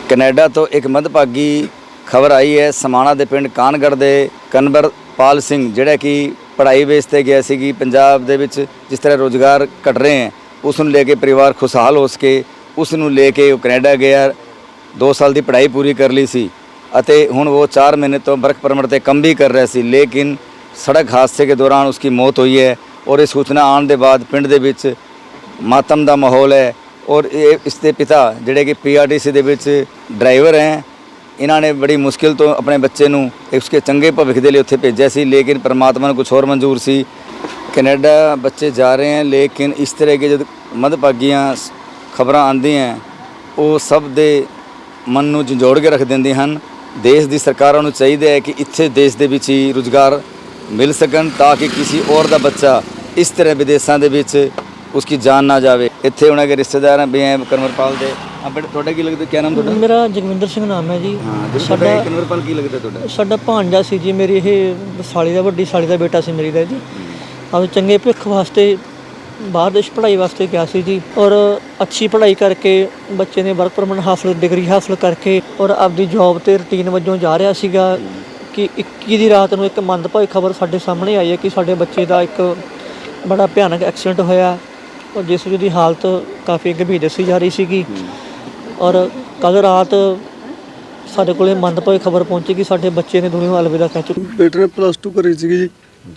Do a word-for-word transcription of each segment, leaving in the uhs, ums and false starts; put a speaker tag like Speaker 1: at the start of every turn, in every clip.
Speaker 1: Canada ਤੋਂ ਇੱਕ ਮੰਦਭਾਗੀ ਖਬਰ ਆਈ ਹੈ। ਸਮਾਣਾ ਦੇ ਪਿੰਡ ਕਾਨਗੜ੍ਹ ਦੇ ਕਨਵਰਪਾਲ ਸਿੰਘ ਜਿਹੜਾ ਕਿ ਪੜ੍ਹਾਈ ਬੇਸ 'ਤੇ ਗਿਆ ਸੀ ਕਿ ਪੰਜਾਬ ਦੇ ਵਿੱਚ ਜਿਸ ਤਰ੍ਹਾਂ ਰੁਜ਼ਗਾਰ ਘਟ ਰਹੇ ਹੈ ਉਸ ਨੂੰ ਲੈ ਕੇ ਪਰਿਵਾਰ ਖੁਸ਼ਹਾਲ ਹੋ ਸਕੇ, ਉਸ ਨੂੰ ਲੈ ਕੇ ਉਹ ਕੈਨੇਡਾ ਗਿਆ। ਦੋ ਸਾਲ ਦੀ ਪੜ੍ਹਾਈ ਪੂਰੀ ਕਰ ਲਈ ਸੀ ਅਤੇ ਹੁਣ ਉਹ ਚਾਰ ਮਹੀਨੇ ਤੋਂ ਵਰਕ ਪਰਮਿਟ 'ਤੇ ਕੰਮ ਵੀ ਕਰ ਰਿਹਾ ਸੀ, ਲੇਕਿਨ ਸੜਕ ਹਾਦਸੇ के दौरान उसकी मौत हुई है। और ये सूचना आने के बाद पिंड दे विच मातम का माहौल है। और ये इसके पिता जिहड़े कि पी आर टी सी दे विच ड्राइवर हैं, इन्होंने बड़ी मुश्किल तो अपने बच्चे नूं उसके चंगे भविख के लिए उत्थे भेजा सी, लेकिन परमात्मा ने कुछ होर मंजूर सी। कनेडा बच्चे जा रहे हैं, लेकिन इस तरह की जब मंदभागियां खबर आती हैं वो सब दे मन नूं झंझोड़ के रख देंदी हैं। देश की सरकारों नूं चाहिए है कि इत्थे देश दे विच ही रुਜ਼ਗਾਰ मिल सकन ताकि किसी और का बच्चा इस तरह विदेशों के विच उसकी जान ना जाए। इत्थे उन्होंने के रिश्तेदार भी हैं कनवरपाल के। अपने थोड़ा की लगता, क्या नाम थोड़ा?
Speaker 2: मेरा जगविंदर सिंह नाम है जी।
Speaker 1: हाँ,
Speaker 2: साडा
Speaker 1: कनवरपाल की लगता थोड़ा?
Speaker 2: साडा भांजा सी जी, मेरी ये साली का वड्डी साली का बेटा सी मेरी दा जी। अब चंगे भविख वास्ते बाहर देश पढ़ाई वास्ते गया सी जी, और अच्छी पढ़ाई करके बच्चे ने वर्क परमिट हासिल डिग्री हासिल करके और आपकी जॉब ते रूटीन वजों जा रहा सीगा कि इक्की दी रात ਨੂੰ ਇੱਕ ਮੰਦਭਾਗੀ ਖਬਰ ਸਾਡੇ ਸਾਹਮਣੇ ਆਈ ਹੈ ਕਿ ਸਾਡੇ ਬੱਚੇ ਦਾ ਇੱਕ ਬੜਾ ਭਿਆਨਕ ਐਕਸੀਡੈਂਟ ਹੋਇਆ ਔਰ ਜਿਸ ਦੀ ਹਾਲਤ ਕਾਫੀ ਗੰਭੀਰ ਦੱਸੀ ਜਾ ਰਹੀ ਸੀਗੀ। ਔਰ ਕੱਲ ਰਾਤ ਸਾਡੇ ਕੋਲੇ ਮੰਦਭਾਗੀ ਖਬਰ ਪਹੁੰਚੀ ਕਿ ਸਾਡੇ ਬੱਚੇ ਨੇ ਦੁਨੀਆ ਨੂੰ ਅਲਵਿਦਾ ਕਹਿ ਚੁੱਕੇ।
Speaker 3: ਬੇਟੇ ਨੇ ਪਲੱਸ ਟੂ ਕਰੀ ਸੀਗੀ ਜੀ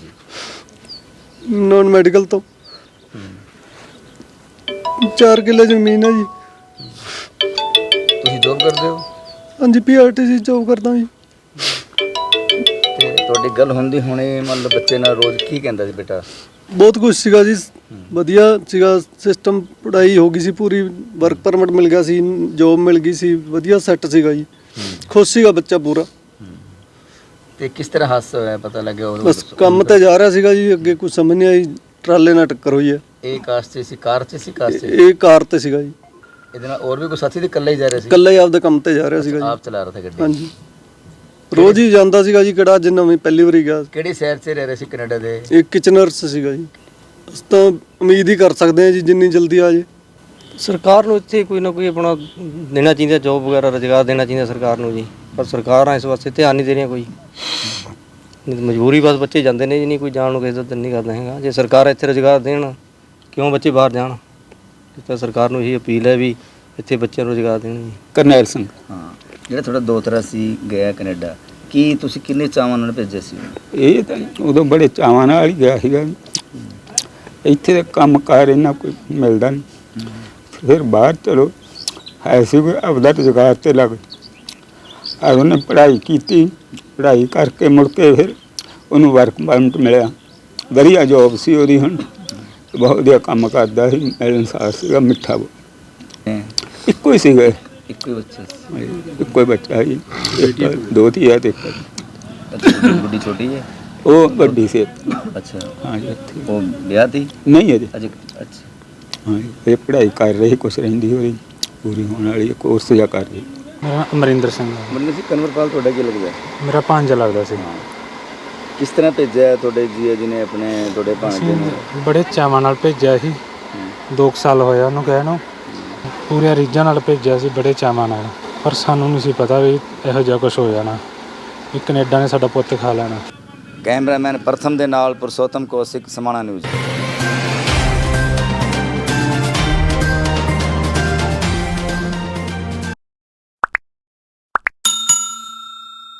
Speaker 3: ਨੌਨ ਮੈਡੀਕਲ ਤੋਂ। ਚਾਰ ਕਿੱਲੇ ਜ਼ਮੀਨ ਹੈ ਜੀ।
Speaker 1: ਤੁਸੀਂ ਜੋਬ ਕਰਦੇ ਹੋ?
Speaker 3: ਹਾਂਜੀ, P R T C job ਕਰਦਾ ਜੀ।
Speaker 1: ਤੇ ਤੁਹਾਡੀ ਗੱਲ ਹੁੰਦੀ ਹੁਣੇ ਮਤਲਬ ਬੱਚੇ ਨਾਲ ਰੋਜ਼ ਕੀ ਕਹਿੰਦਾ ਸੀ ਬੇਟਾ?
Speaker 3: ਬਹੁਤ ਕੁਛ ਸੀਗਾ ਜੀ, ਵਧੀਆ ਸੀਗਾ ਸਿਸਟਮ। ਪੜ੍ਹਾਈ ਹੋ ਗਈ ਸੀ ਪੂਰੀ, ਵਰਕ ਪਰਮਿਟ ਮਿਲ ਗਿਆ ਸੀ, ਜੋਬ ਮਿਲ ਗਈ ਸੀ, ਵਧੀਆ ਸੈੱਟ ਸੀਗਾ ਜੀ। ਖੁਸ਼ ਸੀਗਾ ਬੱਚਾ ਪੂਰਾ।
Speaker 1: ਤੇ ਕਿਸ ਤਰ੍ਹਾਂ ਹਾਦਸਾ ਹੋਇਆ ਪਤਾ ਲੱਗਿਆ?
Speaker 3: ਬਸ ਕੰਮ ਤੇ ਜਾ ਰਿਹਾ ਸੀਗਾ ਜੀ, ਅੱਗੇ ਕੁਝ ਸਮਝ ਨਹੀਂ ਆਈ, ਟਰਾਲੇ ਨਾਲ ਟੱਕਰ ਹੋਈ ਹੈ।
Speaker 1: ਇਹ ਕਾਰ 'ਚ ਸੀ? ਕਾਰ 'ਚ ਸੀ? ਕਾਰ 'ਚ?
Speaker 3: ਇਹ ਕਾਰ ਤੇ ਸੀਗਾ ਜੀ।
Speaker 1: ਇਹਦੇ ਨਾਲ ਹੋਰ ਵੀ ਕੋਈ ਸਾਥੀ ਤੇ ਇਕੱਲਾ ਹੀ ਜਾ ਰਿਹਾ ਸੀ?
Speaker 3: ਇਕੱਲਾ ਹੀ ਆਪਦੇ ਕੰਮ ਤੇ ਜਾ ਰਿਹਾ ਸੀਗਾ ਜੀ।
Speaker 1: ਆਪ ਚਲਾ ਰਿਹਾ ਸੀ ਗੱਡੀ?
Speaker 3: ਹਾਂਜੀ, ਰੋਜ਼ ਹੀ ਜਾਂਦਾ ਸੀਗਾ ਜੀ। ਕਿਹੜਾ ਅੱਜ ਨਵੀਂ ਪਹਿਲੀ ਵਾਰੀ ਗਿਆ।
Speaker 1: ਕਿਹੜੇ ਸ਼ਹਿਰ 'ਚ ਰਹਿ ਰਹੇ ਸੀ ਕੈਨੇਡਾ ਦੇ?
Speaker 3: ਇਹ ਕਿਚਨਰਸ ਸੀਗਾ ਜੀ। ਅਸੀਂ ਤਾਂ ਉਮੀਦ ਹੀ ਕਰ ਸਕਦੇ ਹਾਂ ਜੀ ਜਿੰਨੀ ਜਲਦੀ ਆ ਜੇ।
Speaker 4: ਸਰਕਾਰ ਨੂੰ ਇੱਥੇ ਕੋਈ ਨਾ ਕੋਈ ਆਪਣਾ ਦੇਣਾ ਚਾਹੀਦਾ, ਜੋਬ ਵਗੈਰਾ ਰੁਜ਼ਗਾਰ ਦੇਣਾ ਚਾਹੀਦਾ ਸਰਕਾਰ ਨੂੰ ਜੀ। ਪਰ ਸਰਕਾਰਾਂ ਇਸ ਵਾਸਤੇ ਧਿਆਨ ਨਹੀਂ ਦੇ ਰਹੀਆਂ ਕੋਈ। ਮਜਬੂਰੀ ਬਸ ਬੱਚੇ ਜਾਂਦੇ ਨੇ ਜੀ, ਨਹੀਂ ਕੋਈ ਜਾਣ ਨੂੰ ਕਿਸੇ ਦਾ ਦਿਲ ਨਹੀਂ ਕਰਦਾ ਹੈਗਾ। ਜੇ ਸਰਕਾਰ ਇੱਥੇ ਰੁਜ਼ਗਾਰ ਦੇਣ, ਕਿਉਂ ਬੱਚੇ ਬਾਹਰ ਜਾਣ? ਤਾਂ ਸਰਕਾਰ ਨੂੰ ਇਹੀ ਅਪੀਲ ਹੈ ਵੀ ਇੱਥੇ ਬੱਚਿਆਂ ਨੂੰ ਰੁਜ਼ਗਾਰ ਦੇਣ ਜੀ।
Speaker 5: ਕਰਨੈਲ ਸਿੰਘ।
Speaker 1: ਹਾਂ, ਜਿਹੜਾ ਤੁਹਾਡਾ ਦੋਤਰਾ ਸੀ ਗਿਆ ਕੈਨੇਡਾ, ਕੀ ਤੁਸੀਂ ਕਿੰਨੇ ਚਾਵਾਂ ਨਾਲ ਭੇਜਿਆ ਸੀ?
Speaker 5: ਇਹ ਤਾਂ ਉਦੋਂ ਬੜੇ ਚਾਵਾਂ ਨਾਲ ਹੀ ਗਿਆ ਸੀਗਾ। ਇੱਥੇ ਤਾਂ ਕੰਮ ਕਾਰ ਇਹਨਾਂ ਕੋਈ ਮਿਲਦਾ ਨਹੀਂ। ਫਿਰ ਬਾਹਰ ਚਲੋ ਹੈ ਸੀ ਕੋਈ ਆਪਦਾ ਰੁਜ਼ਗਾਰ ਤੇ ਲੱਗ ਆ। ਉਹਨੇ ਪੜ੍ਹਾਈ ਕੀਤੀ, ਪੜ੍ਹਾਈ ਕਰਕੇ ਮੁੜ ਕੇ ਫਿਰ ਉਹਨੂੰ ਵਰਕ ਪਰਮਿਟ ਮਿਲਿਆ, ਵਧੀਆ ਜੋਬ ਸੀ ਉਹਦੀ। ਹੁਣ ਬਹੁਤ ਵਧੀਆ ਕੰਮ ਕਰਦਾ ਸੀ, ਮਿਲਣਸਾਰ ਸੀਗਾ, ਮਿੱਠਾ। ਇੱਕੋ ਹੀ ਸੀਗਾ,
Speaker 1: ਇੱਕੋ ਹੀ ਬੱਚਾ ਸੀ?
Speaker 5: ਇੱਕੋ ਹੀ ਬੱਚਾ ਸੀ। ਦੋ ਧੀਆਂ ਤੇ
Speaker 1: ਵੱਡੀ ਛੋਟੀ ਹੈ?
Speaker 5: ਉਹ ਵੱਡੀ ਸੀ।
Speaker 1: ਅੱਛਾ।
Speaker 5: ਹਾਂ ਜੀ। ਇੱਥੇ
Speaker 1: ਉਹ ਵਿਆਹ ਤੀ?
Speaker 5: ਨਹੀਂ ਅਜੇ।
Speaker 1: ਅਜੇ? ਅੱਛਾ।
Speaker 5: ਹਾਂ, ਇਹ ਪੜ੍ਹਾਈ ਕਰ ਰਹੀ, ਕੁਛ ਰਹਿੰਦੀ ਹੋਈ ਪੂਰੀ ਹੋਣ ਵਾਲੀ ਕੋਰਸ ਜਾਂ ਕਰ ਰਹੀ।
Speaker 6: ਮੇਰਾ ਅਮਰਿੰਦਰ ਸਿੰਘ।
Speaker 1: ਮੈਨੂੰ ਸੀ ਕਨਵਰਪਾਲ ਤੁਹਾਡਾ ਕੀ ਲੱਗਦਾ?
Speaker 6: ਮੇਰਾ ਭਾਂਜਾ ਲੱਗਦਾ ਸੀ।
Speaker 1: ਕਿਸ ਤਰ੍ਹਾਂ ਭੇਜਿਆ ਤੁਹਾਡੇ ਜੀਆ ਜੀ ਨੇ ਆਪਣੇ ਤੁਹਾਡੇ ਭਾਂਜੇ ਨੂੰ?
Speaker 6: ਬੜੇ ਚਾਵਾਂ ਨਾਲ ਭੇਜਿਆ ਸੀ, ਦੋ ਕੁ ਸਾਲ ਹੋਇਆ ਉਹਨੂੰ ਗਏ ਨੂੰ। ਪੂਰੇ ਰੀਝਾਂ ਨਾਲ ਭੇਜਿਆ ਸੀ, ਬੜੇ ਚਾਵਾਂ ਨਾਲ। ਪਰ ਸਾਨੂੰ ਨਹੀਂ ਸੀ ਪਤਾ ਵੀ ਇਹੋ ਜਿਹਾ ਕੁਛ ਹੋ ਜਾਣਾ, ਵੀ ਕੈਨੇਡਾ ਨੇ ਸਾਡਾ ਪੁੱਤ ਖਾ ਲੈਣਾ।
Speaker 1: ਕੈਮਰਾਮੈਨ ਪ੍ਰਥਮ ਦੇ ਨਾਲ ਪੁਰਸ਼ੋਤਮ ਕੌਸ਼ਿਕ, ਸਮਾਣਾ ਨਿਊਜ਼।